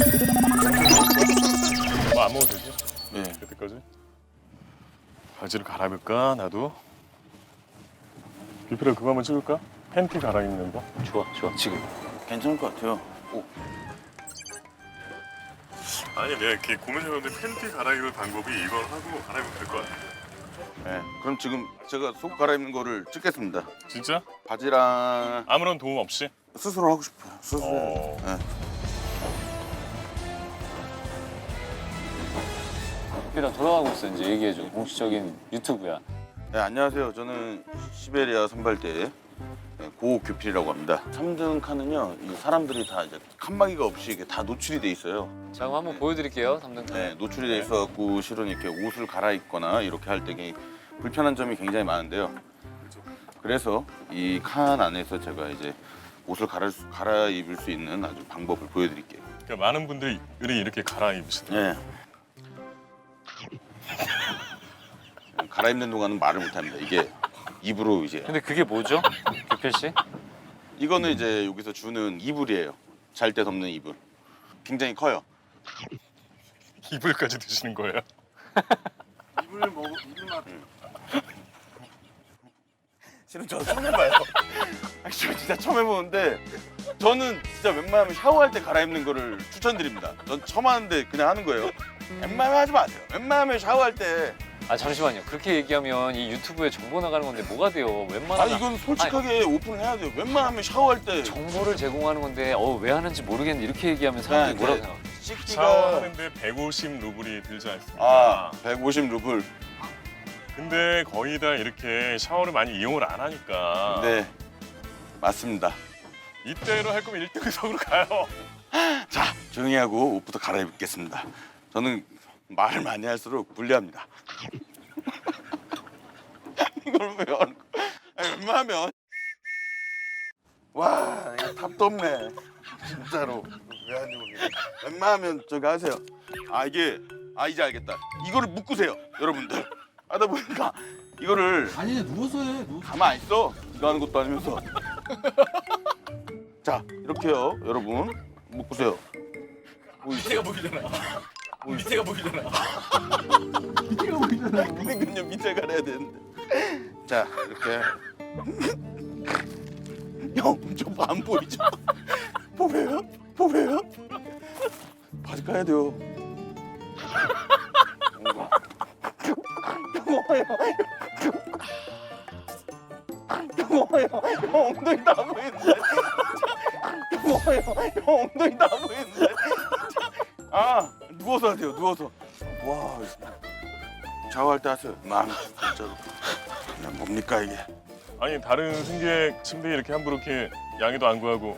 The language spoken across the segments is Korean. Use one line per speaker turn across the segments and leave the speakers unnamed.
뭐 안 먹어도 되지?
네.
그때까지? 바지를 갈아입을까 나도? 뷔페를 그거 한번 찍을까? 팬티 갈아입는 거?
좋아 지금.
괜찮을 것 같아요. 오.
아니 내가 이렇게 고민해봤는데 팬티 갈아입을 방법이 이걸 하고 갈아입으면 될 것 같아.
네. 그럼 지금 제가 속 갈아입는 거를 찍겠습니다.
진짜?
바지랑
아무런 도움 없이?
스스로 하고 싶어요. 스스로.
어.
네.
뷔페랑 돌아가고 있어. 이제 얘기해줘. 공식적인 유튜브야.
네, 안녕하세요. 저는 시베리아 선발대 고규필이라고 합니다. 3등 칸은요, 이 사람들이 다 이제 칸막이가 없이 이게 다 노출이 돼 있어요.
자 그럼 한번 보여드릴게요. 3등.
네, 노출이 돼 있어갖고 실은 이렇게 옷을 갈아입거나 이렇게 할 때 불편한 점이 굉장히 많은데요. 그래서 이 칸 안에서 제가 이제 옷을 갈아입을 수 있는 아주 방법을 보여드릴게요.
그러니까 많은 분들이 이렇게 갈아입으시더라고요.
네. 갈아입는 동안은 말을 못합니다. 이게 입으로 이제.
근데 그게 뭐죠? 규필 씨?
이거는 이제 여기서 주는 이불이에요. 잘 때 덮는 이불. 굉장히 커요.
이불까지 드시는 거예요?
이불만. 실은 저 처음 해봐요. 아니, 저 진짜 처음 해보는데 저는 진짜 웬만하면 샤워할 때 갈아입는 거를 추천드립니다. 전 처음 하는데 그냥 하는 거예요. 웬만하면 하지 마세요. 웬만하면 샤워할 때.
아 잠시만요. 그렇게 얘기하면 이 유튜브에 정보 나가는 건데 뭐가 돼요? 웬만하면
아니 이건 솔직하게 오픈을 해야 돼요. 웬만하면 샤워할 때.
정보를 제공하는 건데 왜 하는지 모르겠는데 이렇게 얘기하면 사람들이
네,
뭐라고
네.
생각해?
씻기가
샤워하는데 150 루블이 들지 않습니까?
아 150 루블.
근데 거의 다 이렇게 샤워를 많이 이용을 안 하니까
네 맞습니다.
이때로 할 거면 1등석으로 가요.
자 조용히 하고 옷부터 갈아입겠습니다. 저는 말을 많이 할수록 불리합니다. 이걸 왜 하는 거야? 아니, 웬만하면 와 이거 답도 없네. 진짜로 왜 하는지 모르겠네. 웬만하면 저기 하세요. 이게 이제 알겠다. 이거를 묶으세요 여러분들. 하다 보니까 이거를
아니 누워서 해.
가만 안 있어. 이거 하는 것도 아니면서. 자 이렇게요 여러분 묶으세요.
밑에가 보이잖아. 밑에가 보이잖아.
밑에가 보이잖아. 그러니까요 밑에 가려야 되는데. 자 이렇게. 형, 저 안 보이죠? 보여요? 보여요? 바지 까야 돼요. 영어요. 형 엉덩이 다 보이는데. 영어요. 형 엉덩이 다 보이는데. 누워서 하세요. 누워서. 와, 샤워할 때 하세요. 진짜로. 그냥 뭡니까 이게?
아니 다른 승객 침대에 이렇게 함부로 이렇게 양해도 안 구하고.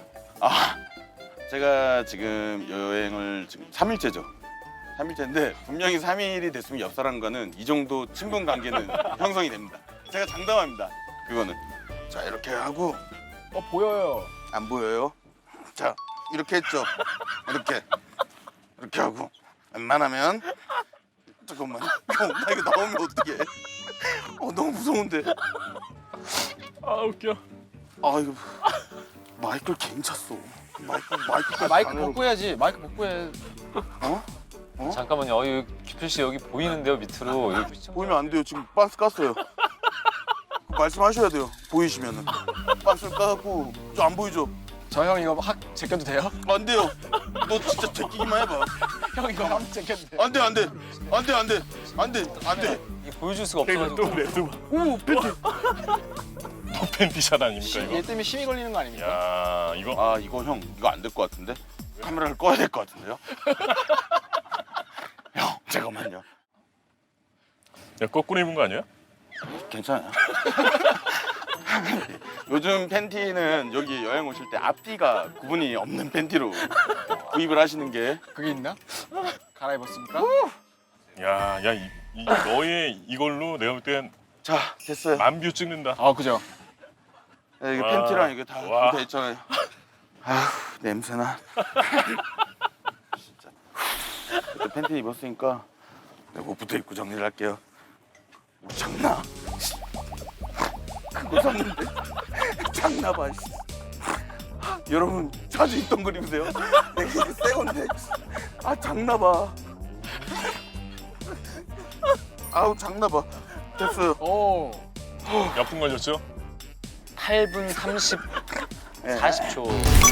제가 지금 여행을 지금 3일째죠. 3일째인데 분명히 3일이 됐으면 옆 사람과는 이 정도 친분 관계는 형성이 됩니다. 제가 장담합니다. 그거는. 자 이렇게 하고
보여요.
안 보여요? 자 이렇게 했죠. 이렇게 하고 웬만하면 잠깐만. 나 이거 나오면 어떡해? 너무 무서운데.
웃겨.
이거 마이크를 괜찮았어. 마이크까지
마이크
안으로.
벗고 해야지. 마이크 벗고 해.
잠깐만요. 여기 규필 씨 여기 보이는데요 밑으로. 여기 시청자-
보이면 안 돼요. 지금 반스 깠어요. 말씀하셔야 돼요. 보이시면은 반스를 까갖고 저 안 보이죠?
저 형 이거 확 제껴도 돼요?
안 돼요. 너 진짜 제끼기만 해봐.
형 이거 확 제껴도 돼요?
안 돼.
이거 보여줄 수가
이거
없어가지고.
또 레드.
오 팬티.
또 팬티샷 아닙니까
얘
이거?
때문에 심이 걸리는 거 아닙니까?
야 이거
이거 형 이거 안 될 것 같은데? 카메라를 꺼야 될 것 같은데요? 형 잠깐만요.
야 거꾸로 입은 거 아니야?
괜찮아요. 요즘 팬티는 여기 여행 오실 때 앞뒤가 구분이 없는 팬티로 구입을 하시는 게.
그게 있나? 갈아입었습니까?
이 너의 이걸로 내가 볼 땐
자 됐어요.
만뷰 찍는다.
그죠.
네, 이거
와.
팬티랑 이거 다
와.
돼 있잖아요. 냄새나. 진짜. 또 팬티 입었으니까 내가 옷부터 입고 정리를 할게요. 우리 장나. 그거 샀는데 장나 봐. 여러분 자주 입던 그림이세요? 내가 이게 새 건데. 아 장나봐. 아우 장나봐. 됐어요.
오.
몇 분 걸렸죠?
8분 30,
예.
40초.